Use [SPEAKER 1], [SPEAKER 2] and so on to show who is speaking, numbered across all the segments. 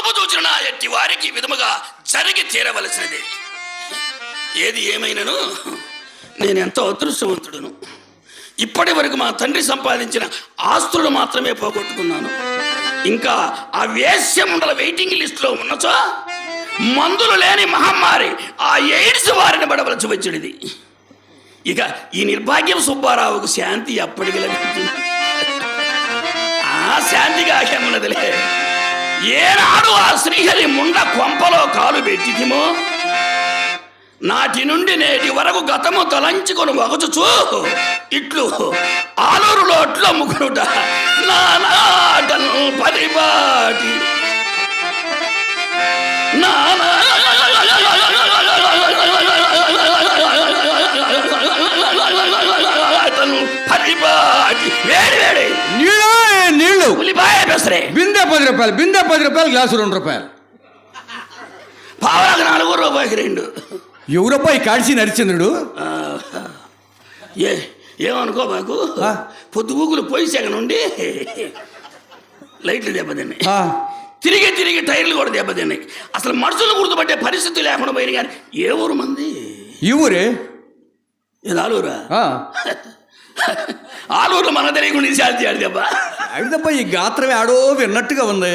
[SPEAKER 1] చూపు చూచిన ఎట్టి వారికి విధముగా జరిగి తీరవలసినది. ఏది ఏమైనను నేనెంతో అదృష్టవంతుడును. ఇప్పటి వరకు మా తండ్రి సంపాదించిన ఆస్తులను మాత్రమే పోగొట్టుకున్నాను. ఇంకా ఆ వేశ్యమండల వెయిటింగ్ లిస్టులో ఉన్నచో మందులు లేని మహమ్మారి ఆ ఎయిడ్స్ వారిని పడవలసి వచ్చినది. ఇక ఈ నిర్భాగ్యం సుబ్బారావుకు శాంతి అప్పటికి లభించింది. ఆ శాంతిగా ఏమున్నదిలే. ఏనాడు ఆ శ్రీహరి ముండ కొంపలో కాలు పెట్టితిమో నాటి నుండి నేటి వరకు గతము తలంచుకొని వగచుచూ ఇట్లు ఆలూరులో అట్లు అమ్ముకునుట నా నాటను పరిపాటి పరిపాటి వేడి వేడి
[SPEAKER 2] నీళ్ళు
[SPEAKER 1] ఉల్లిపాయ పెసరే
[SPEAKER 2] బిందె 10 రూపాయలు, బిందె 10 రూపాయలు, గ్లాసు 2 రూపాయలు,
[SPEAKER 1] పావులకు 4 రూపాయకి 2.
[SPEAKER 2] ఎవరప్పా ఈ కాడిసి నరిచంద్రుడు?
[SPEAKER 1] ఏమనుకో మాకు పొద్దుగూకులు పోయి సెగ నుండి లైట్లు దెబ్బతిన్నాయి, తిరిగి తిరిగి టైర్లు కూడా దెబ్బతిన్నాయి. అసలు మనుషులు గుర్తుపట్టే పరిస్థితి లేకుండా పోయిన కానీ ఏ ఊరు మంది?
[SPEAKER 2] ఈ ఊరే.
[SPEAKER 1] ఇది ఆలూరా? ఆలూరులో మన తెలియకుండా శాంతి ఆడి దెబ్బ
[SPEAKER 2] అడిదప్ప. ఈ గాత్రమే ఆడో విన్నట్టుగా ఉంది.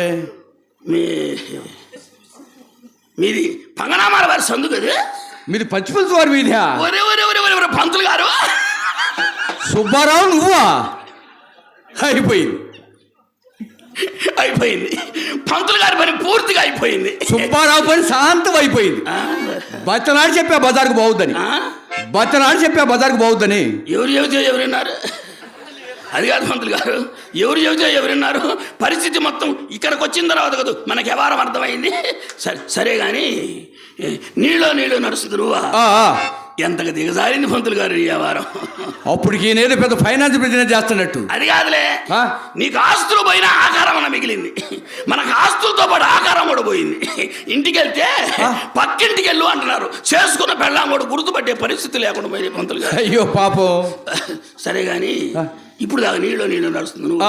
[SPEAKER 1] మీది పంగనామాల వారి సందు కదా?
[SPEAKER 2] మీది పచ్చిపులుసు వారి వీధా?
[SPEAKER 1] ఒరే ఒరే ఒరే ఒరే పంతులు గారు,
[SPEAKER 2] సుబ్బారావు నువ్వా? అయిపోయింది
[SPEAKER 1] అయిపోయింది. పంతులు గారి పని పూర్తిగా అయిపోయింది.
[SPEAKER 2] సుబ్బారావు పని శాంతం అయిపోయింది. బచ్చనాడు చెప్పా బజార్కు బాగుద్దని, బచ్చనాడు చెప్పా బజార్కు బాగుద్దని.
[SPEAKER 1] ఎవరు చెబితే ఎవరున్నారు? అది కాదు పంతులు గారు, ఎవరు చెబితే ఎవరున్నారు? పరిస్థితి మొత్తం ఇక్కడికి వచ్చిన తర్వాత కదా మనకి వ్యవహారం అర్థమైంది. సరే కానీ నీళ్ళు నడుస్తుంది నువ్వా? ఎంతగా దిగజారింది పంతులు గారు ఈ వ్యవహారం.
[SPEAKER 2] అప్పటికి నేనే పెద్ద ఫైనాన్స్ బిజినెస్ చేస్తున్నట్టు.
[SPEAKER 1] అది కాదులే, నీకు ఆస్తులు పోయినా ఆకారం అన్న మిగిలింది. మనకు ఆస్తులతో పాటు ఆకారం కూడా పోయింది. ఇంటికి వెళ్తే పక్కింటికి వెళ్ళు అంటున్నారు. చేసుకున్న పెళ్ళాం కూడా గుర్తుపట్టే పరిస్థితి లేకుండా పోయింది పంతులు గారు.
[SPEAKER 2] అయ్యో పాపం.
[SPEAKER 1] సరే కానీ ఇప్పుడు దాకా నీళ్ళు నడుస్తుంది నువ్వు.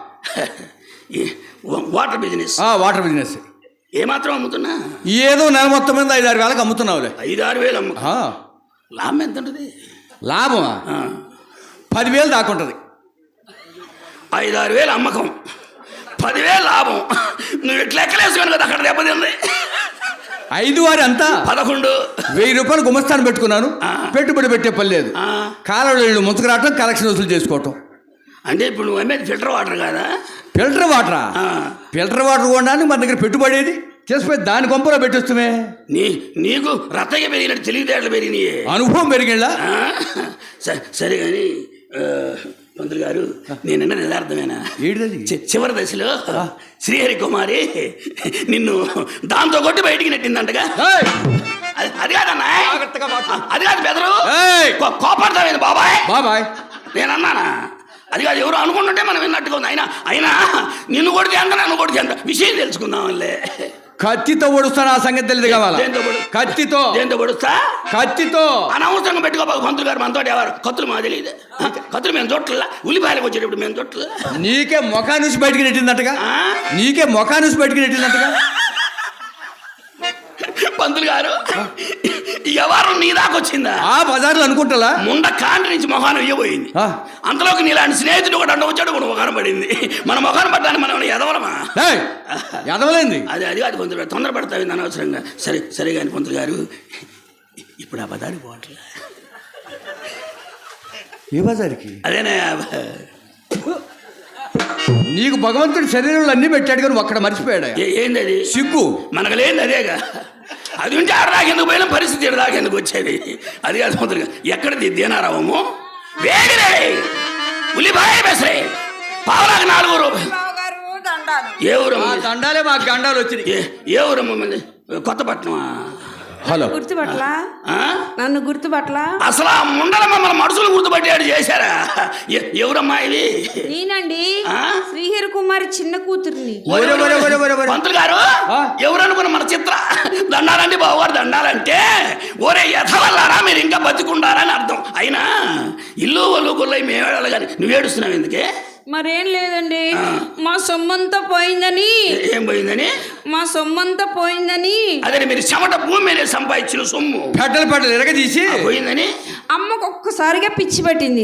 [SPEAKER 1] Water business.
[SPEAKER 2] వాటర్ బిజినెస్
[SPEAKER 1] ఏమాత్రం అమ్ముతున్నా?
[SPEAKER 2] ఏదో నెల మొత్తం మీద 5-6 వేలకు అమ్ముతున్నావులే.
[SPEAKER 1] 5-6 వేలు అమ్ము. లాభం ఎంత ఉంటుంది?
[SPEAKER 2] లాభమా 10,000 దాకుంటుంది.
[SPEAKER 1] 5-6 వేలు అమ్మకం, 10,000 లాభం. నువ్వు ఇట్లా లెక్కలేసుకొని కదా అక్కడ దెబ్బతింది.
[SPEAKER 2] 5 అంతా
[SPEAKER 1] 11.
[SPEAKER 2] 1000 రూపాయలు గుమస్తాను పెట్టుకున్నాను. పెట్టుబడి పెట్టే పని లేదు. కాలంలో ముంచుకు రావటం, కలెక్షన్ వసూలు చేసుకోవటం.
[SPEAKER 1] అంటే ఇప్పుడు నువ్వు అమ్మేది ఫిల్టర్ వాటర్ కాదా?
[SPEAKER 2] ఫిల్టర్ వాటరా? ఫిల్టర్ వాటర్ కొనడానికి మన దగ్గర పెట్టుబడేది చేసిపోయి దాని కొంపలో పెట్టేస్తుమే.
[SPEAKER 1] నీకు రత్తగా పెరిగినట్టు తెలివితేటలు పెరిగినాయి, అనుభవం
[SPEAKER 2] పెరిగిందా?
[SPEAKER 1] సరే కానీ మంత్రి గారు, నేనన్నది యథార్థమేనా? చివరి దశలో శ్రీహరి కుమారి నిన్ను దాంతో కొట్టి బయటికి నెట్టిందంటగా? అది కాదన్నా, అది కాదు బెదరు, కోపడతావేంది బాబాయ్? నేనన్నానా? అది కాదు, ఎవరు అనుకుంటుంటే మనం విన్నట్టుగా ఉంది. అయినా నిన్ను కొడితే ఎంత, నన్ను కొడితే ఎంత, విషయం తెలుసుకుందాంలే.
[SPEAKER 2] కత్తితో పొడుస్తాను, ఆ సంగతి తెలియదు కావాలా? కత్తితో. దేంతో పొడుస్తా? కత్తితో. అనవసరంగా పెట్టుకోబాకు పంతులు గారు, మనతో ఎవరు కత్తులు మా తెలియదు. కత్తులు మేము చోట్ల, ఉల్లిపాయలకు వచ్చేటప్పుడు మేము చోట్ల. నీకే మొఖా నుంచి బయటికి నెట్టిందట్టుగా,
[SPEAKER 1] పంతులు గారు ఎవరు నీ దాకొచ్చిందా?
[SPEAKER 2] బజార్లో అనుకుంటా ముండ
[SPEAKER 1] కాంటి నుంచి మొఖాన్ని ఇయ్యబోయింది. అంతలోకి నీలాంటి స్నేహితుడు కూడా వచ్చాడు, కూడా మొఖాన్ని పడింది. మన మొఖాన్ని పడ్డానికి మనం ఎదవలమా?
[SPEAKER 2] ఎదవలేంది.
[SPEAKER 1] అది కాదు పంతులు గారు, తొందరపడతావు అనవసరంగా. సరే కానీ పంతులు గారు, ఇప్పుడు ఆ బజారుకి పోవట్లే.
[SPEAKER 2] ఏ బజారుకి?
[SPEAKER 1] అదేనా,
[SPEAKER 2] నీకు భగవంతుడి శరీరంలో అన్ని పెట్టాడు కానీ ఒక్కడ మర్చిపోయాడు.
[SPEAKER 1] ఏంది అది?
[SPEAKER 2] సిగ్గు.
[SPEAKER 1] మనకు లేని అదేగా. అది ఉంటే ఆడదాకెందుకు పోయినా పరిస్థితి ఎడదాకెందుకు వచ్చేది. అది కాదు పంతులు గారు, ఎక్కడిది దేనారావము? వేడిరే ఉల్లిపాయ బెసరే పావులకు 4 రూపాయలు. ఏ ఊరమ్మ?
[SPEAKER 2] దండాలే మాకు గండాలు వచ్చినాయి.
[SPEAKER 1] ఏ ఊరమ్మ? కొత్తపట్నమా?
[SPEAKER 3] హలో, గుర్తుపట్లా? నన్ను గుర్తుపట్లా?
[SPEAKER 1] అసలు ఆ ముండల మమ్మల్ని మనుషులు గుర్తుపట్టాడు చేశారా? ఎవరమ్మా ఇది?
[SPEAKER 3] నేనండి, శ్రీహరి కుమారి చిన్న కూతుర్ని.
[SPEAKER 1] పంతులు గారు, ఎవరనుకున్న మన చిత్ర దండాలండి బావగారు, దండాలంటే ఒరే ఎథవల్లారా మీరు ఇంకా బతికుండారని అర్థం. అయినా ఇల్లు ఒళ్ళు గుళ్ళై మేమేడాలి కానీ నువ్వేడుస్తున్నావు ఎందుకే?
[SPEAKER 3] మరేం లేదండి మా సొమ్మంతా పోయిందని.
[SPEAKER 1] ఏం పోయిందని?
[SPEAKER 3] మా సొమ్మంతా పోయిందని.
[SPEAKER 1] అదే మీరు చెమట భూమి మీద సంపాదించిన సొమ్ము
[SPEAKER 2] పెద్దలు ఎరగదీసి
[SPEAKER 1] పోయిందని
[SPEAKER 3] అమ్మకు ఒక్కసారిగా పిచ్చి పట్టింది.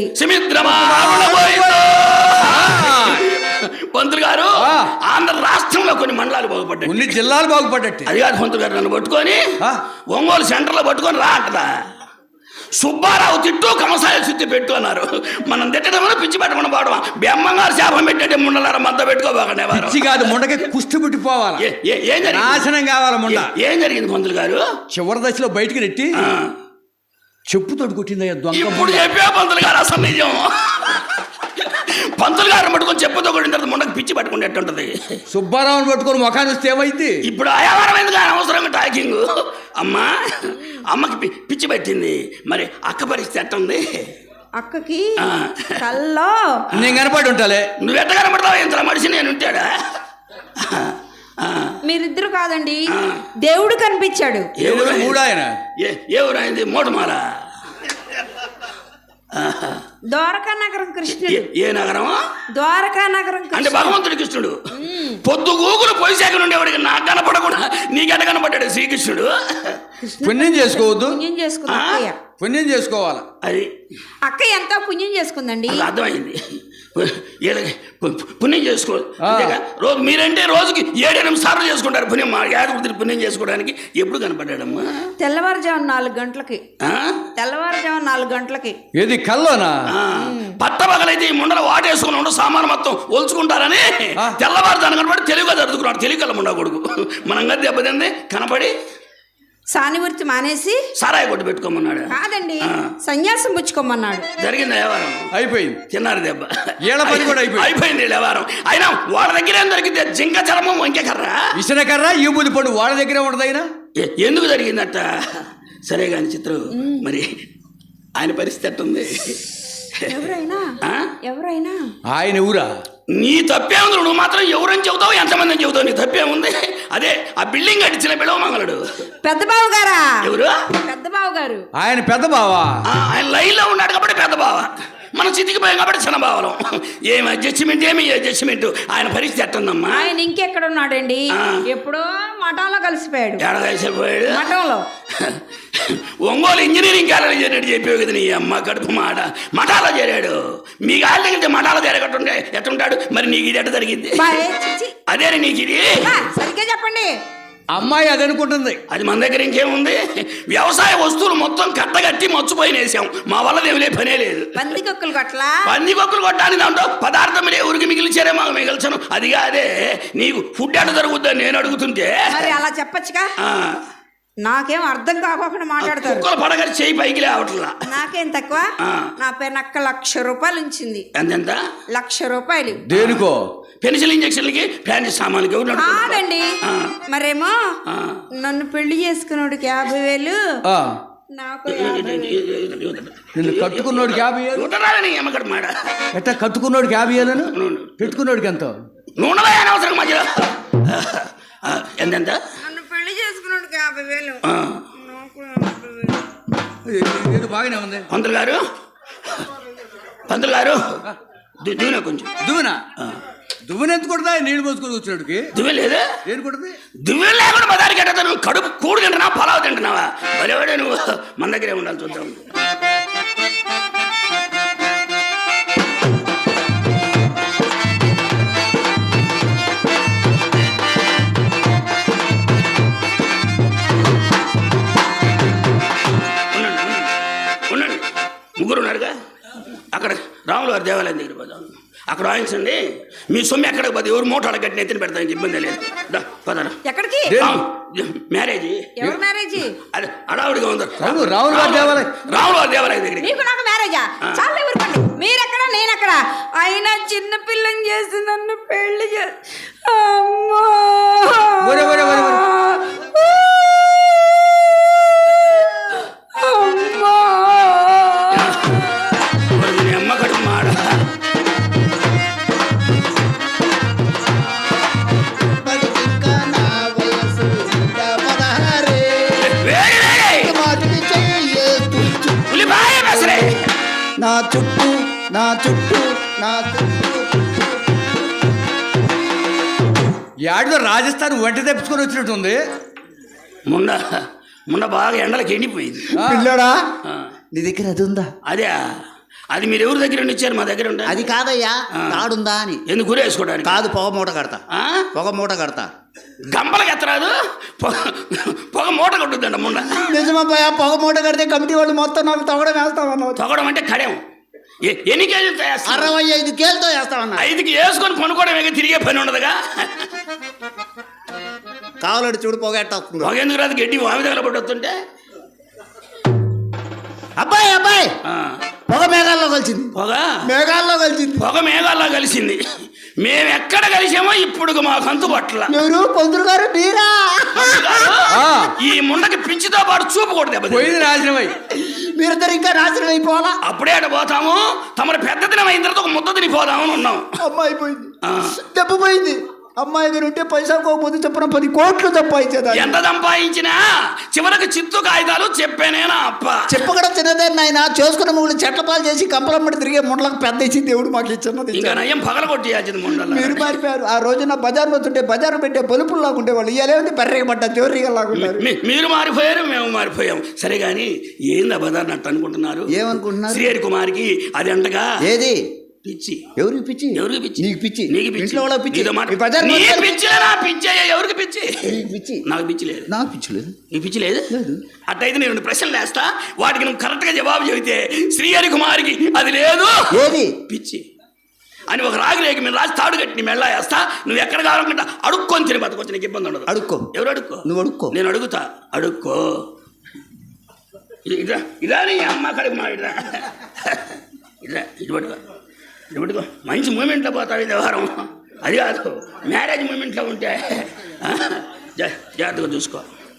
[SPEAKER 1] పంతులు గారు ఆంధ్ర రాష్ట్రంలో కొన్ని మండలాలు బాగుపడ్డాయి,
[SPEAKER 2] కొన్ని జిల్లాలు బాగుపడ్డట్టు.
[SPEAKER 1] అది కాదు పంతులు గారు, నన్ను పట్టుకొని ఒంగోలు సెంటర్లో పట్టుకొని రా అంటదా. సుబ్బారావు తిట్టు కమసాయ చుట్టి పెట్టు అన్నారు. మనం తిట్టడం పిచ్చి పెట్టకుండా పోవడం. బెమ్మంగారు శాపం పెట్టే ముండలారా మద్ద పెట్టుకోబాకండి.
[SPEAKER 2] పిచ్చి కాదు, ముండకి కుస్తీ పుట్టిపోవాలి, నాశనం కావాలి ముండ.
[SPEAKER 1] ఏం జరిగింది పంతులు గారు?
[SPEAKER 2] చివరి దశలో బయటికి నెట్టి చెప్పుతోటి కొట్టిందయ్యా దొంగ.
[SPEAKER 1] ఇప్పుడు చెప్పా పంతులు గారు అసలు నిజం. పంతులు గారు పట్టుకొని చెప్పుతో కొట్టిన తర్వాత ముండకి పిచ్చి పట్టుకుంటే ఎట్టుంటది?
[SPEAKER 2] సుబ్బారావుని పట్టుకొని ముఖాన్ని వస్తే ఏమైంది?
[SPEAKER 1] ఇప్పుడు ఆయావారం ఎందుకు అనవసరంగా టాకింగ్? అమ్మకి పిచ్చి పట్టింది, మరి అక్క పరిస్థితి ఎట్టుంది?
[SPEAKER 3] అక్కకి కల్లో
[SPEAKER 2] నేను కనపడి ఉంటాలే.
[SPEAKER 1] నువ్వు ఎట్ట కనపడతావు? ఇంత మనిషి నేను ఉంటాడా?
[SPEAKER 3] మీరిద్దరు కాదండి, దేవుడు కనిపించాడు.
[SPEAKER 1] ఏ ఊరు అయింది? మోటమారా?
[SPEAKER 3] ద్వారకా నగరం కృష్ణుడు.
[SPEAKER 1] ఏ నగరం?
[SPEAKER 3] ద్వారకా నగరం
[SPEAKER 1] అంటే భగవంతుడి కృష్ణుడు. పొద్దు గూగులు పొయ్యిశాఖ నుండి ఎవరికి నాకు కనపడకుండా నీకెట కనపడ్డాడు శ్రీకృష్ణుడు?
[SPEAKER 2] పుణ్యం చేసుకోవద్దు,
[SPEAKER 3] పుణ్యం చేసుకుంది అక్కయ్య.
[SPEAKER 2] పుణ్యం చేసుకోవాలి.
[SPEAKER 3] అది అక్క ఎంతో పుణ్యం చేసుకుందండి.
[SPEAKER 1] అర్థమైంది. పుణ్యం చేసుకో. రోజు మీరంటే రోజుకి 7-8 సార్లు చేసుకుంటారు పుణ్యం. మా యాదవృత్తిని పుణ్యం చేసుకోవడానికి ఎప్పుడు కనపడ్డాడమ్మా?
[SPEAKER 3] తెల్లవారుజాము 4 గంటలకి. తెల్లవారుజాము 4 గంటలకి.
[SPEAKER 2] ఏది కల్లోనా?
[SPEAKER 1] పట్టబగలైతే ఈ ముండలు వాటేసుకుని ఉండ సామాను మొత్తం ఒలుచుకుంటారని తెల్లవారుజాను కనపడి తెలుగుగా జరుపుకున్నాడు. తెలుగుల ముండ కొడుకు మనంగా దెబ్బతింది కనపడి
[SPEAKER 3] సానివృత్తి మానేసి
[SPEAKER 1] సారాయి కొట్టు పెట్టుకోమన్నాడు.
[SPEAKER 3] కాదండి, సన్యాసం పుచ్చుకోమన్నాడు.
[SPEAKER 1] జరిగింది వ్యవహారం.
[SPEAKER 2] అయిపోయింది.
[SPEAKER 1] తిన్నారు దెబ్బ.
[SPEAKER 2] పని కూడా
[SPEAKER 1] అయిపోయింది వ్యవహారం. అయినా వాళ్ళ దగ్గర ఏం దొరికింది? జింక చర్మం, వంకె కర్ర,
[SPEAKER 2] విసిన కర్ర, ఈ బుద్ధి పండు వాళ్ళ దగ్గరే ఉండదు. అయినా
[SPEAKER 1] ఎందుకు జరిగిందట? సరే కాని చిత్రం, మరి ఆయన పరిస్థితి ఎట్టుంది?
[SPEAKER 3] ఎవరైనా
[SPEAKER 2] ఆయన ఊరా?
[SPEAKER 1] నీ తప్పేముంది? నువ్వు మాత్రం ఎవరని చెబుతావు, ఎంతమంది అని చెబుతావు? నీ తప్పేముంది? అదే ఆ బిల్డింగ్ కట్టించిన బిడవమంగళుడు
[SPEAKER 3] పెద్ద బావ గారా?
[SPEAKER 1] ఎవరు? పెద్ద
[SPEAKER 3] బావ గారు.
[SPEAKER 2] ఆయన పెద్ద బావా?
[SPEAKER 1] ఆయన లైన్ లో ఉన్నాడు కాబట్టి పెద్ద బావ, మనం చితికిపోయాం కాబట్టి చిన్న బావలం. ఏమి అడ్జస్ట్మెంట్, ఏమి అడ్జస్ట్మెంట్? ఆయన పరిస్థితి ఎట్టుందమ్మా?
[SPEAKER 3] ఆయన ఇంకెక్కడ ఉన్నాడండి? ఎప్పుడో మఠంలో కలిసిపోయాడు.
[SPEAKER 1] ఎక్కడ కలిసిపోయాడు?
[SPEAKER 3] మఠంలో.
[SPEAKER 1] ఒంగోలు ఇంజనీరింగ్ కాలేజ్ చేరినట్టు చెప్పావు కదా నీ అమ్మ కడుపు మాట. మఠాలో చేరాడు. మీ గాలి దగ్గర మఠాలో చేరగట్టుండే ఎట్టుంటాడు? మరి నీకు ఇది ఎట్ట జరిగింది? అదే నీకు ఇది
[SPEAKER 3] సరిగ్గా చెప్పండి.
[SPEAKER 2] అమ్మాయి అది అనుకుంటుంది.
[SPEAKER 1] అది మన దగ్గర ఇంకేముంది? వ్యవసాయ వస్తువులు మొత్తం కట్టగట్టి మర్చిపోయినేసాం. మా వల్ల ఏమిలే పనే లేదు.
[SPEAKER 3] పందికొక్కులు కొట్టలా?
[SPEAKER 1] పందికొక్కులు కొట్టాలని దాంట్లో పదార్థం ఊరికి మిగిలిచారే మాకు మిగిల్చను. అది కాదే నీకు ఫుడ్ ఎట్ట జరుగుద్దని నేను అడుగుతుంటే.
[SPEAKER 3] మరి అలా చెప్పచ్చుగా. నాకేం అర్థం కాకుండా మాట్లాడతారు.
[SPEAKER 1] కుక్కలు పడగలి చేయి పైకి లేవట్లా.
[SPEAKER 3] నాకేం తక్కువ? నా పేరు నక్క 1,00,000 రూపాయలు ఉంచింది.
[SPEAKER 1] ఎంత?
[SPEAKER 3] 1,00,000 రూపాయలు.
[SPEAKER 2] దేనికో?
[SPEAKER 1] పెన్సిల్ ఇంజక్షన్లకి, ఫ్యాన్ సామాన్లకి.
[SPEAKER 3] కాదండి, మరేమో నన్ను పెళ్లి చేసుకున్నోడికి 50,000, నాకు
[SPEAKER 2] కట్టుకున్నోడికి 50,000.
[SPEAKER 1] ఎమ్మకడ మాట
[SPEAKER 2] ఎట్టా కట్టుకున్నోడికి 50,000, పెట్టుకున్నోడికి ఎంత?
[SPEAKER 1] నూనె అనవసరం మధ్యలో. ఎంత?
[SPEAKER 3] నన్ను పెళ్లి చేసుకున్నోడికి 50,000.
[SPEAKER 2] బాగానే ఉంది.
[SPEAKER 1] పంతులు గారు దువ్వున కొంచెం
[SPEAKER 2] దువ్వెన ఎంత కొడతా? నీళ్ళు పోసుకొని వచ్చినోడికి
[SPEAKER 1] దువ్వె లేదా?
[SPEAKER 2] ఏం కొడుతుంది?
[SPEAKER 1] దువ్వె లేకుండా బదారికి ఎట్టా? నువ్వు కడుపు కూడు తింటున్నావా, పలావు తింటున్నావా? భలేవాడే నువ్వు. మన దగ్గరే ఉండాలి. చూద్దాం. ఉండండి, ముగ్గురు ఉన్నారుగా. అక్కడ రాములు వారి దేవాలయం దగ్గర పోదాం. అక్కడ వాయించండి. మీ సొమ్ము ఎక్కడికి పోతే ఎవరు మోటార్ కట్టిన ఎత్తిన పెడతానికి ఇబ్బంది లేదు. పదరా.
[SPEAKER 3] ఎక్కడికి?
[SPEAKER 1] మ్యారేజ్.
[SPEAKER 3] ఎవరు మ్యారేజ్?
[SPEAKER 1] అదే అడావుడిగా ఉంది.
[SPEAKER 2] రాములు వారి
[SPEAKER 1] దేవాలయం దగ్గర.
[SPEAKER 3] నీకు నాకు మ్యారేజా? చాలా ఎవరు? మీరెక్కడ, నేనెక్కడ? అయినా చిన్న పిల్లని చేసి నన్ను పెళ్లి
[SPEAKER 4] నా చుట్టూ
[SPEAKER 2] యాడిదో రాజస్థాన్ వంట తెప్పించుకొని వచ్చినట్టుంది.
[SPEAKER 1] మొన్న బాగా ఎండలకు ఎండిపోయింది.
[SPEAKER 4] పిల్లడా
[SPEAKER 1] ఆ,
[SPEAKER 4] నీ దగ్గర అది ఉందా?
[SPEAKER 1] అదే అది మీరు ఎవరి దగ్గర ఇచ్చారు? మా దగ్గర ఉండే.
[SPEAKER 4] అది కాదయ్యా, తాడుందా అని.
[SPEAKER 1] ఎందుకు గురేసుకోవడానికి?
[SPEAKER 4] కాదు, పొగ మూట కడతా.
[SPEAKER 1] ఆ?
[SPEAKER 4] పొగ మూట కడతా.
[SPEAKER 1] గంపలకి ఎత్తరాదు, పొగ మూట కొట్టుద్దంట ముండ.
[SPEAKER 4] నిజమబ్బాయా, పొగ మూట కడితే కమిటీ వాళ్ళు మొత్తం నాకు తొగడం వేస్తామన్నావు.
[SPEAKER 1] తొగడం అంటే కడెం. ఎన్ని కేజీలు వేస్తారు?
[SPEAKER 4] 65 కేలతో వేస్తామన్నా.
[SPEAKER 1] 5కి వేసుకొని కొనుక్కోవడమే, తిరిగే పని ఉండదుగా.
[SPEAKER 4] కావాలంటే చూడు, పొగ ఎట్ట వస్తుంది.
[SPEAKER 1] పొగ ఎందుకు రాదు? గడ్డి వామి దగ్గర పడి వస్తుంటే.
[SPEAKER 4] అబ్బాయి అబ్బాయి,
[SPEAKER 1] ఆ,
[SPEAKER 4] పొగ మేఘాల్లో కలిసింది.
[SPEAKER 1] పొగ
[SPEAKER 4] మేఘాల్లో కలిసింది.
[SPEAKER 1] పొగ మేఘాల్లో కలిసింది. మేము ఎక్కడ కలిసామో ఇప్పుడు మాకు అంతు పట్ల.
[SPEAKER 4] ఎవరు? పంతులు గారు మీరా?
[SPEAKER 2] ఆ.
[SPEAKER 1] ఈ ముండకి పిచ్చితో పాటు చూపు కూడా దెబ్బతింది.
[SPEAKER 2] పోయింది నాశనమై.
[SPEAKER 4] మీరిద్దరు ఇంకా నాశనం అయిపోవాలా?
[SPEAKER 1] అప్పుడే అటు పోతాము, తమరు పెద్ద దినం అయిన తర్వాత ఒక ముద్ద తినిపోదామని ఉన్నాం.
[SPEAKER 4] అమ్మాయి పోయింది,
[SPEAKER 1] ఆ.
[SPEAKER 4] దెబ్బ పోయింది. అమ్మాయి గారు ఉంటే పైసా పోతే చెప్పిన 10 కోట్లు సంపాదించేదా?
[SPEAKER 1] ఎంత సంపాదించినా చివరికి చిత్తు కాగితాలు చెప్పానేనా అప్ప.
[SPEAKER 4] చెప్పకడం చిన్నదే నాయన. చేసుకున్న ముగ్గులు చెట్ల పాలు చేసి కంపలమ్మడి తిరిగే ముండలకు పెద్ద ఇచ్చి దేవుడు మాకు ఇచ్చినది.
[SPEAKER 1] ఇంకా నయ్యం పగల కొట్టేయాల్సింది ముండల.
[SPEAKER 4] మీరు మారిపోయారు. ఆ రోజున బజార్లో వస్తుంటే బజారు పెట్టే బలుపులు లాగుండే వాళ్ళు ఇయ్యాలేముంది, బర్రెగా పడ్డ జోర్రిగా లాగుంటారు.
[SPEAKER 1] మీరు మారిపోయారు, మేము మారిపోయాం. సరే గాని ఏంది బదారినట్టు అనుకుంటున్నారు?
[SPEAKER 4] ఏమనుకుంటున్నారు?
[SPEAKER 1] శ్రీహరి కుమార్కి అది అంటగా
[SPEAKER 4] ఏది
[SPEAKER 1] పిచ్చి.
[SPEAKER 4] ఎవరికి పిచ్చి?
[SPEAKER 1] ఎవరికి పిచ్చి?
[SPEAKER 4] నీకు పిచ్చి.
[SPEAKER 1] నీకు పిచ్చి.
[SPEAKER 4] ఇంట్లో వాళ్ళ పిచ్చి.
[SPEAKER 1] నీతో మాట.
[SPEAKER 4] ఈ బజార్
[SPEAKER 1] నీ
[SPEAKER 4] మొత్తం-
[SPEAKER 1] పిచ్చిలే, నా పిచ్చి. ఎవరికి పిచ్చి?
[SPEAKER 4] నీకు పిచ్చి.
[SPEAKER 1] నాకు పిచ్చి లేదు.
[SPEAKER 4] నాకు పిచ్చి లేదు.
[SPEAKER 1] నీ పిచ్చి లేదు?
[SPEAKER 4] లేదు.
[SPEAKER 1] అట్టయితే నేను 2 ప్రశ్నలు వేస్తా, వాటికి నువ్వు కరెక్ట్గా జవాబు చెబితే శ్రీహరి కుమార్కి అది లేదు
[SPEAKER 4] ఏది
[SPEAKER 1] పిచ్చి అని ఒక రాగి రేగి మీరు రాసి తాడు కట్టి నీ మెళ్ళ వేస్తా. నువ్వు ఎక్కడ కావాలనుకుంటా అడుక్కొని తిని బతకొచ్చు, నీకు ఇబ్బంది ఉండదు.
[SPEAKER 4] అడుక్కో.
[SPEAKER 1] ఎవరు అడుక్కో?
[SPEAKER 4] నువ్వు అడుక్కో.
[SPEAKER 1] నేను అడుగుతా. అడుక్కో. ఇదా ఇదా నీ అమ్మ కడుగు మా ఇదా ఇదా ఇటు పట్టుకో, ఇటు పట్టుకో. మంచి మూమెంట్లో పోతావు ఈ వ్యవహారం. అది కాదు, మ్యారేజ్ మూమెంట్లో ఉంటే జాగ్రత్తగా చూసుకో.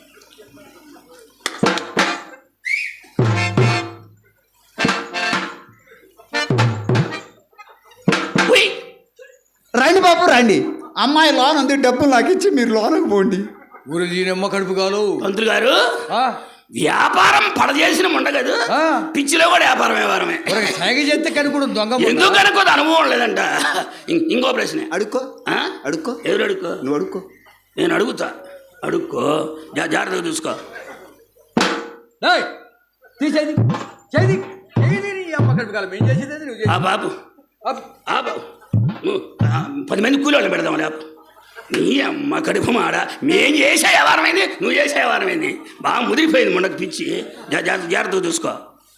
[SPEAKER 1] ఉయ్.
[SPEAKER 4] రండి బాబు రండి. అమ్మాయి లోన్ ఉంది, డబ్బులు నాకు ఇచ్చి మీరు లోనకు పోండి.
[SPEAKER 2] ఊరు దీనమ్మ కడుపు కాలు.
[SPEAKER 1] పంతులు గారు,
[SPEAKER 2] ఆ,
[SPEAKER 1] వ్యాపారం పడచేసిన ఉండగదు,
[SPEAKER 2] ఆ.
[SPEAKER 1] పిచ్చిలో కూడా వ్యవహారమే.
[SPEAKER 2] ఊరికి సైగ చేస్తే కనుకోవడం దొంగ ముండా?
[SPEAKER 1] ఎందుకు అనుకోదు, అనుభవం లేదంట. ఇంకో ప్రశ్న.
[SPEAKER 4] అడుక్కో.
[SPEAKER 1] ఆ?
[SPEAKER 4] అడుక్కో.
[SPEAKER 1] ఎవరు అడుక్కో?
[SPEAKER 4] నువ్వు అడుక్కో.
[SPEAKER 1] నేను అడుగుతా. అడుక్కో. జాగ్రత్తగా చూసుకో.
[SPEAKER 2] ఏయ్, తీసేది చేది చేది నీ అమ్మ కడుపు కాలం. ఏం చేసేది నువ్వు
[SPEAKER 1] ఆ
[SPEAKER 2] చేసేది?
[SPEAKER 1] బాబు,
[SPEAKER 2] అప్.
[SPEAKER 1] ఆ బాబు, నువ్వు 10 మంది కూలి వాళ్ళు పెడదాం లేపు. నీ అమ్మ కడుపు మాడ. మేం చేసే వ్యవహారమైంది, నువ్వు చేసే వ్యవహారమైంది. బాగా ముదిరిపోయింది ముండకు పిచ్చి. జాగ్రత్తగా చూసుకో.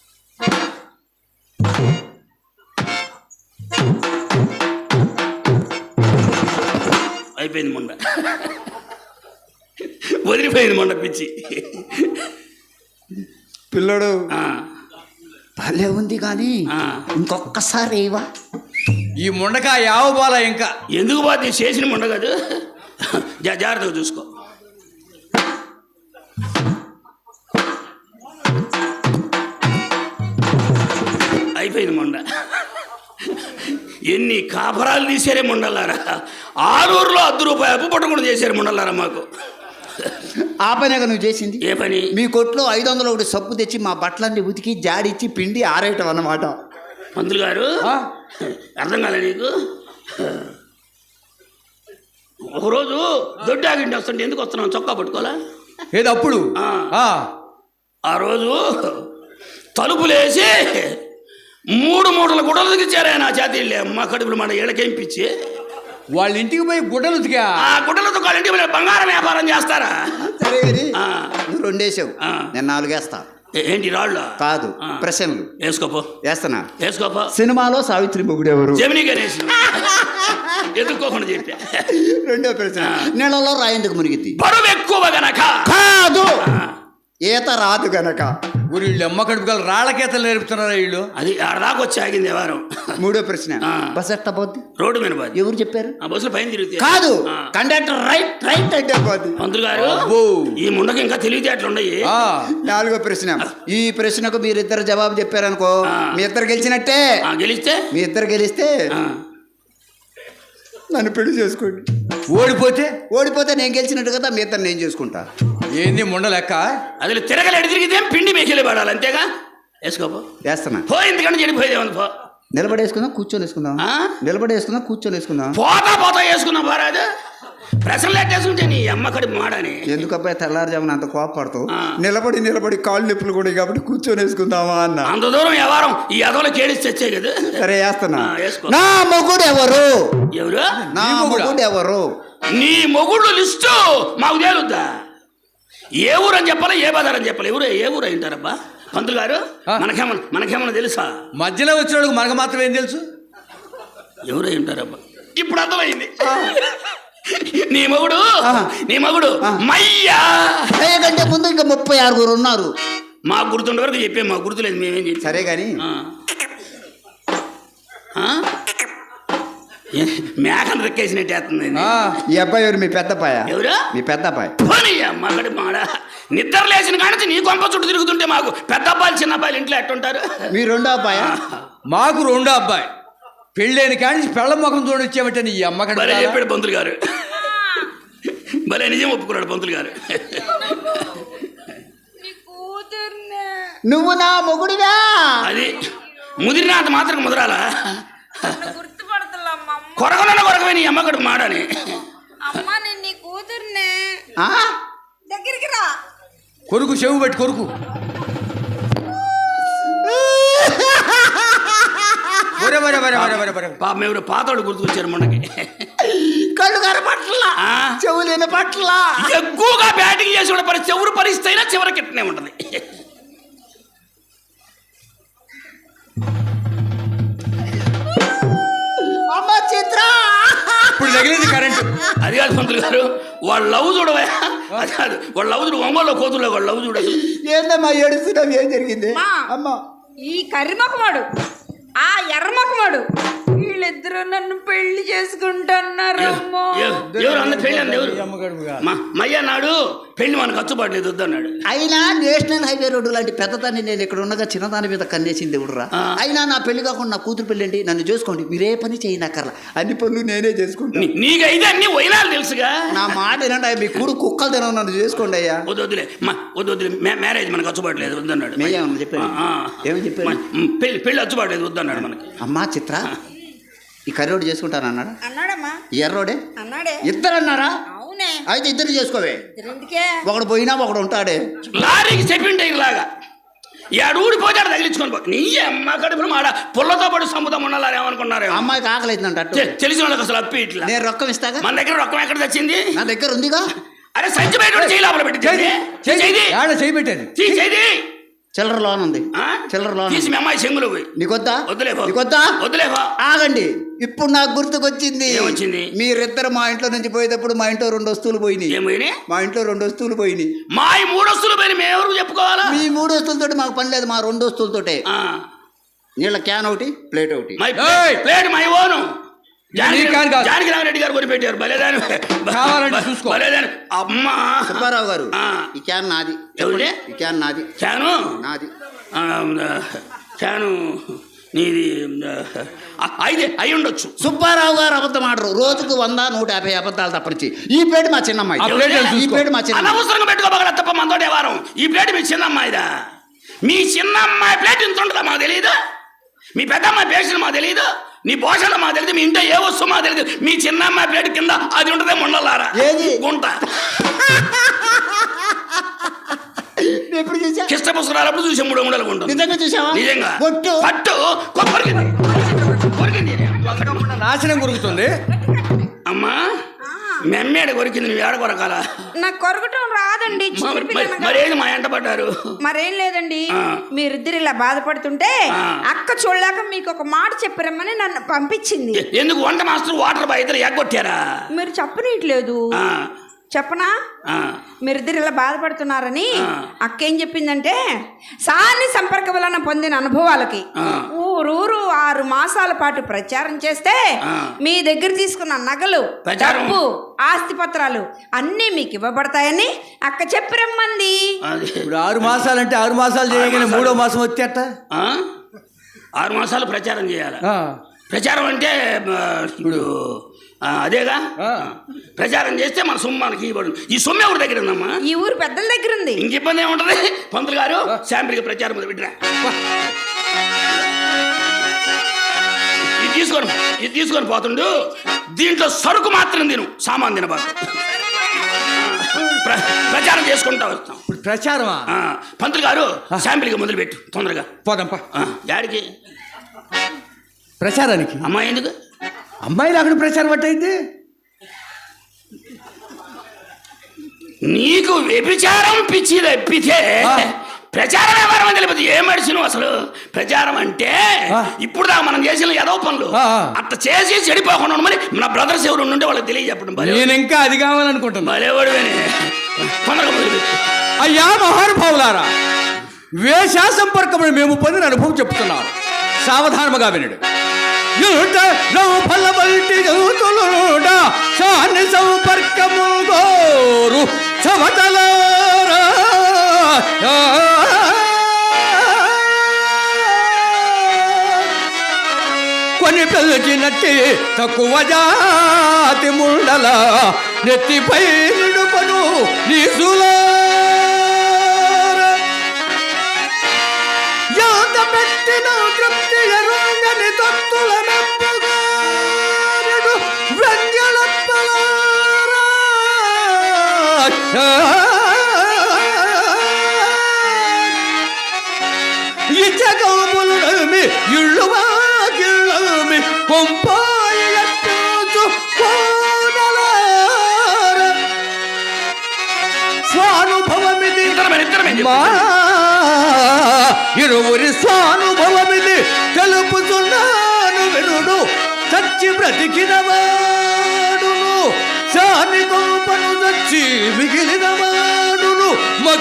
[SPEAKER 1] అయిపోయింది ముండ. వదిలిపోయింది మొండ పిచ్చి.
[SPEAKER 4] పిల్లడు
[SPEAKER 1] ఆ,
[SPEAKER 4] భలే ఉంది కానీ
[SPEAKER 1] ఆ.
[SPEAKER 4] ఇంకొక్కసారి ఏవా?
[SPEAKER 2] ఈ ముండక యావబాల ఇంకా
[SPEAKER 1] ఎందుకు పోతే చేసిన ముండ కాదు. జాగ్రత్తగా చూసుకో. అయిపోయింది మొండ. ఎన్ని కాపరాలు తీసారే ముండలారా. ఆరూరులో ₹10 అప్పు పట్టకుండా చేశారు ముండలారా మాకు.
[SPEAKER 4] ఆ పనేగా నువ్వు చేసింది.
[SPEAKER 1] ఏ పని?
[SPEAKER 4] మీ కొట్లో 501 సబ్బు తెచ్చి మా బట్టలన్నీ ఉతికి జాడిచ్చి పిండి ఆరేయటం అన్నమాట.
[SPEAKER 1] పంతులు గారు,
[SPEAKER 2] ఆ?
[SPEAKER 1] అర్థం కాలే నీకు? ఒకరోజు దొడ్డాగింటి వస్తుంటే ఎందుకు వస్తున్నావు? చొక్కా పట్టుకోవాలా?
[SPEAKER 2] ఏది అప్పుడు?
[SPEAKER 1] ఆ.
[SPEAKER 2] ఆ.
[SPEAKER 1] ఆ రోజు తలుపులేసి 3 మూటల గుడ్డలు దిగిచ్చారే నా చేతిళ్ళే. అమ్మ కడుపులు మన ఏళ్ళకేంపించి
[SPEAKER 2] వాళ్ళ ఇంటికి పోయి గుడ్డలు ఉతికా?
[SPEAKER 1] ఆ గుడ్డలతో వాళ్ళ ఇంటికి పోయి బంగారం వ్యాపారం చేస్తారా?
[SPEAKER 4] సరే కానీ
[SPEAKER 1] ఆ.
[SPEAKER 4] నువ్వు 2 వేసావు,
[SPEAKER 1] ఆ.
[SPEAKER 4] నేను 4 వేస్తా.
[SPEAKER 1] ఏంటి రాళ్ళు?
[SPEAKER 4] కాదు,
[SPEAKER 1] ఆ.
[SPEAKER 4] ప్రశ్నలు
[SPEAKER 1] వేసుకోపో,
[SPEAKER 4] వేస్తున్నా.
[SPEAKER 1] వేసుకోపో.
[SPEAKER 4] సినిమాలో సావిత్రి మొగుడు ఎవరు?
[SPEAKER 1] జమినీ గణేష్. ఎదుర్కోకుండా చెప్పా.
[SPEAKER 4] 2వ ప్రశ్న, నీళ్ళలో రాయేందుకు మునిగిద్ది?
[SPEAKER 1] బరువు ఎక్కువ గనక.
[SPEAKER 4] కాదు, ఈత రాదు గనక.
[SPEAKER 2] ఊరు వీళ్ళు అమ్మ కడుపు కాలు రాళ్ళకేతలు నేర్పుతున్నారా వీళ్ళు?
[SPEAKER 1] అది ఆడదాకా వచ్చి ఆగింది వారం.
[SPEAKER 4] 3వ ప్రశ్న,
[SPEAKER 1] ఆ.
[SPEAKER 4] బస్ ఎట్ట పోద్ది?
[SPEAKER 1] రోడ్డు మీద పోద్ది.
[SPEAKER 4] ఎవరు చెప్పారు?
[SPEAKER 1] ఆ బస్సులు పైన తిరుగుతాయి.
[SPEAKER 4] కాదు,
[SPEAKER 1] ఆ.
[SPEAKER 4] కండక్టర్ రైట్ రైట్ అంటే పోద్ది.
[SPEAKER 1] మంత్రులు గారు,
[SPEAKER 2] అబ్బో.
[SPEAKER 1] ఈ ముండకి ఇంకా తెలివితేటలు ఉన్నాయి.
[SPEAKER 2] ఆ.
[SPEAKER 4] 4వ ప్రశ్న, ఈ ప్రశ్నకు మీరిద్దరు జవాబు చెప్పారనుకో,
[SPEAKER 1] ఆ.
[SPEAKER 4] మీ ఇద్దరు గెలిచినట్టే.
[SPEAKER 1] గెలిస్తే
[SPEAKER 4] మీ ఇద్దరు గెలిస్తే
[SPEAKER 1] ఆ.
[SPEAKER 4] నన్ను పెళ్లి చేసుకోండి.
[SPEAKER 2] ఓడిపోతే
[SPEAKER 4] ఓడిపోతే నేను గెలిచినట్టు కదా, మీ ఇద్దరు నేను చేసుకుంటా.
[SPEAKER 2] ఏంది ముండ లెక్క?
[SPEAKER 1] అది తిరగలేడు, తిరిగితే పిండి మేకెళ్ళి పడాలి అంతేగా. వేసుకోపో.
[SPEAKER 4] వేస్తున్నా.
[SPEAKER 1] పో, ఎందుకంటే చెడిపోయేదేమని పో.
[SPEAKER 4] నిలబడేసుకుందాం, కూర్చొని వేసుకుందాం.
[SPEAKER 1] ఆ?
[SPEAKER 4] నిలబడేసుకుందాం, కూర్చొని వేసుకుందాం.
[SPEAKER 1] పోతా పోతా వేసుకున్నా పోరాదు. ప్రశ్నలు ఎట్టేసుకుంటే నీ అమ్మకడి మాడని.
[SPEAKER 4] ఎందుకు అబ్బాయి తెల్లారుజామున అంత కోపడతావు?
[SPEAKER 1] ఆ.
[SPEAKER 4] నిలబడి కాళ్ళు నొప్పులు కూడా కాబట్టి కూర్చొని వేసుకుందామా అన్న.
[SPEAKER 1] అంత దూరం వ్యవహారం ఈ అదోలో కేడిసి తెచ్చే కదా.
[SPEAKER 4] సరే వేస్తున్నా.
[SPEAKER 1] వేసుకో.
[SPEAKER 4] నా మొగుడు ఎవరు?
[SPEAKER 1] ఎవరు?
[SPEAKER 4] నా మొగుడు ఎవరు?
[SPEAKER 1] నీ మొగుడు లిస్టు మాకు తేలుద్దా? ఏ ఊరు అని చెప్పాలా, ఏ బజార్ అని చెప్పాలి? ఏ ఊరు అయింటారబ్బా పంతులు గారు? మనకేమన్నా తెలుసా?
[SPEAKER 2] మధ్యలో వచ్చినోడు మనకు మాత్రం ఏం తెలుసు?
[SPEAKER 1] ఎవరు అయింటారబ్బా? ఇప్పుడు అర్థమైంది. నీ మగుడు మయ్యా.
[SPEAKER 4] కంటే ముందు ఇంకా 36 ఉన్నారు.
[SPEAKER 1] మాకు గుర్తుండే వరకు చెప్పే, మాకు గుర్తులేదు, మేమేం చెప్పి.
[SPEAKER 4] సరే కానీ
[SPEAKER 1] మేకను రెక్కేసినట్టు వేస్తుంది.
[SPEAKER 4] ఈ అబ్బాయి ఎవరు? మీ పెద్దపాయ.
[SPEAKER 1] ఎవరు? మీ
[SPEAKER 4] పెద్దపాయ.
[SPEAKER 1] మగడి మాడ నిద్ర లేచిన కానీ నీ కొంప చుట్టూ తిరుగుతుంటే మాకు పెద్ద అబ్బాయిలు చిన్న అబ్బాయిలు ఇంట్లో ఎట్టుంటారు?
[SPEAKER 4] మీ రెండో అబ్బాయ.
[SPEAKER 2] మాకు రెండో అబ్బాయి. పెళ్ళైన కానీ పెళ్ళ ముఖం చూడొచ్చామంటే నీ అమ్మకడ
[SPEAKER 1] భలే చెప్పాడు పంతులు గారు. భలే నిజం ఒప్పుకున్నాడు పంతులు గారు.
[SPEAKER 4] నువ్వు నా మొగుడివా?
[SPEAKER 1] అది ముదిరినా అంత మాత్రం ముదరాలా? కొరగలే నీ అమ్మకడు మాడని.
[SPEAKER 3] దగ్గరికి రా.
[SPEAKER 2] కొరుకు చెవు పెట్టి కొరుకు.
[SPEAKER 1] పాపం ఎవరు పాతోడు గుర్తుకొచ్చారు మొన్నకి.
[SPEAKER 4] కళ్ళు కనపట్లా, చెవులు వినపట్లా.
[SPEAKER 1] ఎక్కువగా బ్యాటింగ్ చేసి కూడా చెవురు పరిస్థితి అయినా చివరికి ఇట్నే ఉంటది.
[SPEAKER 4] అమ్మ చిత్ర
[SPEAKER 2] ఇప్పుడు తగిలింది కరెంట్.
[SPEAKER 1] అది కాదు పంతులు గారు, వాళ్ళ లవ్ చూడవా? అది కాదు, వాళ్ళ లవ్ చూడు. ఒంగోలు కోతుల్లో వాళ్ళ లవ్ చూడదు.
[SPEAKER 4] ఏందమ్మా ఏడుస్తున్నావు? ఏం జరిగింది? అమ్మ
[SPEAKER 3] ఈ కర్రిమొఖమాడు, ఆ ఎర్రమొఖమాడు, వీళ్ళిద్దరూ నన్ను పెళ్లి చేసుకుంటున్నారు.
[SPEAKER 1] మయ్య నాడు పెళ్లి మనకు ఖర్చుబాటు వద్దన్నాడు.
[SPEAKER 4] అయినా నేషనల్ హైవే రోడ్డు లాంటి పెద్దదాన్ని నేను ఇక్కడ ఉండగా చిన్నదాని మీద కన్నేసింది ఎవడురా? అయినా నా పెళ్లి కాకుండా నా కూతురు పెళ్ళి అండి, నన్ను చేసుకోండి, మీరే పని చేయనక్కర్లా, అన్ని పనులు నేనే చేసుకుంటాను.
[SPEAKER 1] నీకైతే అన్ని వైనాలు తెలుసుగా.
[SPEAKER 4] నా మాట ఏనండి, మీ కూడు కుక్కలు తినవు, నన్ను చేసుకోండి అయ్యా.
[SPEAKER 1] వద్దులే మ్యారేజ్ మనకు ఖర్చుబాటు లేదు వద్దన్నాడు.
[SPEAKER 4] చెప్పాను. ఏమని చెప్పాను?
[SPEAKER 1] పెళ్లి ఖర్చుబాటు లేదు వద్దన్నాడు మనకి.
[SPEAKER 4] అమ్మా చిత్ర, ఈ కర్రోడు చేసుకుంటాను అన్నాడు.
[SPEAKER 3] అన్నాడమ్మా.
[SPEAKER 4] ఎర్రోడే
[SPEAKER 3] అన్నాడే.
[SPEAKER 4] ఇద్దరు అన్నారా?
[SPEAKER 3] అవునే.
[SPEAKER 4] అయితే ఇద్దరు చేసుకోవే. ఒకడు పోయినా ఒకడు ఉంటాడే.
[SPEAKER 1] లారీకి చెప్పిండే ఇలాగా ఏడు ఊడిపోతాడు తగిలించుకొని పో. నీ అమ్మ కడుపులు మాడ పుల్లతో పాటు సముద్రం ఉండాలని ఏమనుకున్నారు?
[SPEAKER 4] అమ్మాయికి ఆకలి అవుతుందంట.
[SPEAKER 1] తెలిసిన వాళ్ళకి అసలు అప్పి ఇట్లా.
[SPEAKER 4] నేను రొక్కం ఇస్తాగా.
[SPEAKER 1] మన దగ్గర రొక్కం ఎక్కడ తెచ్చింది?
[SPEAKER 4] నా దగ్గర ఉందిగా.
[SPEAKER 1] అరే సంచి బయట చేయి లోపల పెట్టి
[SPEAKER 2] చేయబెట్టేది
[SPEAKER 4] చిల్లర లోన్ ఉంది. చిల్లర లోన్
[SPEAKER 1] తీసి మీ అమ్మాయి చెంగులు పోయి.
[SPEAKER 4] నీకొద్దా?
[SPEAKER 1] వద్దులేవా.
[SPEAKER 4] ఆగండి, ఇప్పుడు నాకు గుర్తుకొచ్చింది.
[SPEAKER 1] ఏమొచ్చింది?
[SPEAKER 4] మీరిద్దరు మా ఇంట్లో నుంచి పోయేటప్పుడు మా ఇంట్లో 2 వస్తువులు పోయినాయి.
[SPEAKER 1] ఏమైనా?
[SPEAKER 4] మా ఇంట్లో 2 వస్తువులు పోయినాయి.
[SPEAKER 1] మా 3 వస్తువులు పోయి మేము ఎవరు చెప్పుకోవాలా?
[SPEAKER 4] మీ 3 వస్తువులతోటి మాకు పని లేదు, మా 2 వస్తువులతోటే. నీళ్ళ క్యాన్ ఒకటి, ప్లేట్ ఒకటి.
[SPEAKER 1] Plate my own. Janaki Ramareddy garu కొనిపెట్టారు. బలేదాని
[SPEAKER 2] చూసుకో.
[SPEAKER 1] అమ్మా
[SPEAKER 4] సుబ్బారావు గారు, ఈ క్యాన్ నాది.
[SPEAKER 1] ఎవరే?
[SPEAKER 4] ఈ క్యాన్ నాది.
[SPEAKER 1] క్యాను
[SPEAKER 4] నాది.
[SPEAKER 1] క్యాను నీది అయితే అయి ఉండొచ్చు.
[SPEAKER 4] సుబ్బారావు గారు అబద్ధం ఆడరు. రోజుకు 100-150 అబద్ధాలు తప్పనిచ్చి. ఈ ప్లేట్ మా చిన్నమ్మాయి. ఈ ప్లేట్ మా చిన్న.
[SPEAKER 1] అనవసరంగా పెట్టుకోబగల తప్ప మనతోటి వారం. ఈ ప్లేట్ మీ చిన్నమ్మాయిదా? మీ చిన్నమ్మాయి ప్లేట్ ఇంత ఉంటుందా మాకు తెలియదు? మీ పెద్దమ్మాయి పేషెంట్ మాకు తెలియదు? నీ పోషణ మాకు తెలియదు? మీ ఇంట్లో ఏ వస్తువు మాకు తెలియదు? మీ చిన్నమ్మాయి ప్లేట్ కింద అది ఉంటుందే ముండలారా గుంట.
[SPEAKER 4] ఎప్పుడు చూసా?
[SPEAKER 1] కిష్ట పుస్తకాలప్పుడు చూసే 3 గుండలు ఉంటుంది.
[SPEAKER 4] నిజంగా చూసావా?
[SPEAKER 1] నిజంగా. పట్టు
[SPEAKER 2] నాశనం కొరుకుతుంది.
[SPEAKER 1] అమ్మా మెమ్మేడ కొరికింది, నువ్వు ఏడ కొరకాల?
[SPEAKER 3] నాకు కొరకటం రాదండి.
[SPEAKER 1] మరేది మా ఎంట పడ్డారు?
[SPEAKER 3] మరేం లేదండి, మీరిద్దరు ఇలా బాధపడుతుంటే అక్క చూడలేక మీకు ఒక మాట చెప్పరమ్మని నన్ను పంపించింది.
[SPEAKER 1] ఎందుకు? వంట మాస్టర్ వాటర్ బాయ్ ఇద్దరు ఎగ్గొట్టారా?
[SPEAKER 3] మీరు చెప్పనీయట్లేదు. చెప్పనా? మీరిద్దరు ఇలా బాధపడుతున్నారని అక్క ఏం చెప్పిందంటే, సాని సంపర్క వలన పొందిన అనుభవాలకి ఊరూరు 6 మాసాల పాటు ప్రచారం చేస్తే మీ దగ్గర తీసుకున్న నగలు, డబ్బు, ఆస్తి పత్రాలు అన్నీ మీకు ఇవ్వబడతాయని అక్క చెప్పిరమ్మంది.
[SPEAKER 2] ఇప్పుడు 6 మాసాలంటే 6 మాసాలు చేయగానే 3వ మాసం వచ్చేట
[SPEAKER 1] 6 మాసాలు ప్రచారం చేయాలి. ప్రచారం అంటే ఇప్పుడు అదేగా, ప్రచారం చేస్తే మన సొమ్ము మనకి ఇవ్వబడుతుంది. ఈ సొమ్ము ఎవరి దగ్గర ఉందమ్మా?
[SPEAKER 3] ఈ ఊరు పెద్దల దగ్గర ఉంది.
[SPEAKER 1] ఇంక ఇబ్బంది ఏముంటది? పంతులు గారు శాంపిల్కి ప్రచారం మొదలు పెట్టిరా. తీసుకొని పోతుండు. దీంట్లో సరుకు మాత్రం తిను, సామాన్ తినబాకు. ప్రచారం చేసుకుంటా వస్తాం.
[SPEAKER 2] ప్రచారమా?
[SPEAKER 1] పంతులు గారు శాంపిల్గా మొదలుపెట్టు తొందరగా.
[SPEAKER 2] పోదాంపా.
[SPEAKER 1] యాడికి?
[SPEAKER 2] ప్రచారానికి.
[SPEAKER 1] అమ్మాయి ఎందుకు?
[SPEAKER 2] అమ్మాయి లేకుండా ప్రచారం పట్టయితే
[SPEAKER 1] నీకు వ్యభిచారం పిచ్చి తప్పితే ప్రచారం ఎవరని తెలియదు. ఏం మడిచిను అసలు? ప్రచారం అంటే ఇప్పుడు దాకా మనం చేసిన ఏదో పనులు అట్లా చేసి చెడిపోకుండా మరి మన బ్రదర్స్ ఎవరు ఉండే వాళ్ళకి తెలియజెప్పడం.
[SPEAKER 2] నేను ఇంకా అది కావాలనుకుంటున్నా.
[SPEAKER 1] భలేవాడుగానే తొందరగా మొదలుపెట్టు.
[SPEAKER 2] అయ్యా మహానుభావులారా, వేష సంపర్కమును మేము పొందిన అనుభవం చెప్తున్నాను, సావధానముగా వినడు. సంపర్కము గోరు చవటలారా కొని పిలిచినట్టి తక్కువ జాతి ముండల నెత్తిపై నిడుపను నీసులా పెట్టిన తృప్తి ఎరుంగని తత్తుల మెప్పుగాడు వ్రంగళప్పలారా ఇచ్చగములుమి ఇళ్ళువాకిళ్ళమి కొంపాయిలట్టు కోనలార స్వానుభవమిది మా ఇరువురి స్వానుభవమిది తెలుపుతున్నాను వినుడు. చచ్చి బ్రతికిన వాడును, శాని గోపను చచ్చి మిగిలిన వాడును,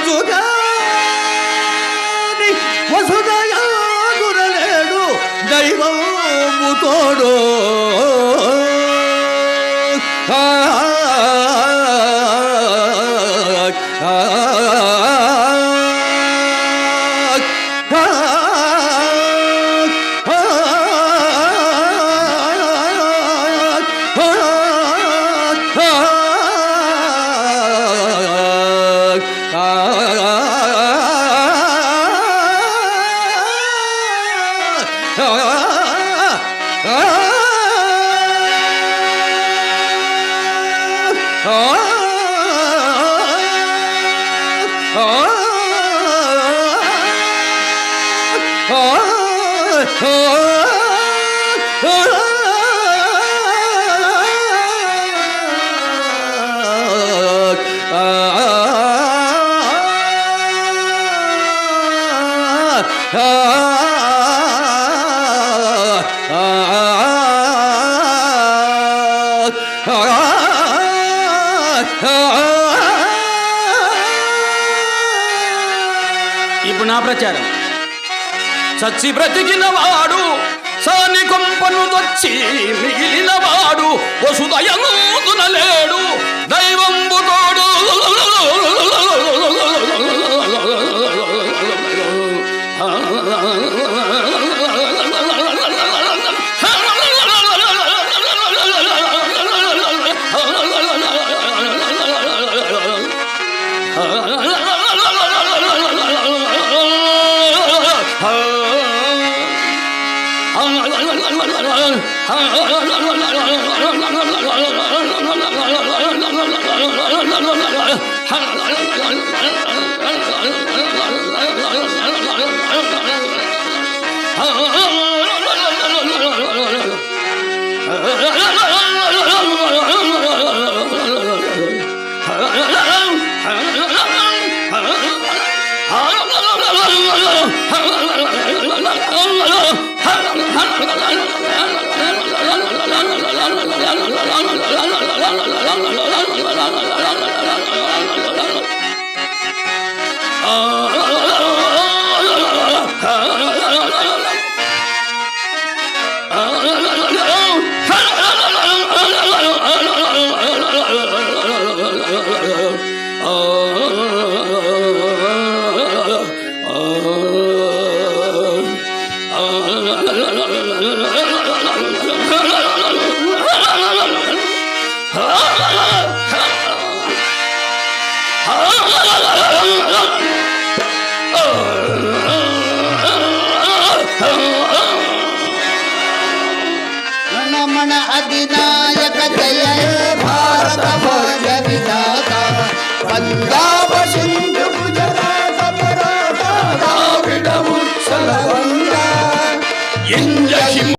[SPEAKER 2] మచ్చుగాని వసుదయాగురలేడు, దైవము తోడు.
[SPEAKER 1] ఇప్పుడు నా ప్రచారం. చచ్చి బ్రతికిన వాడు, సాని కొంపను దొచ్చి మిగిలిన వాడు, వసుదయముదునలేడు, దైవంబు తోడు.
[SPEAKER 4] మన అధినాయక జయ హే భారత భోజ విధాత వందా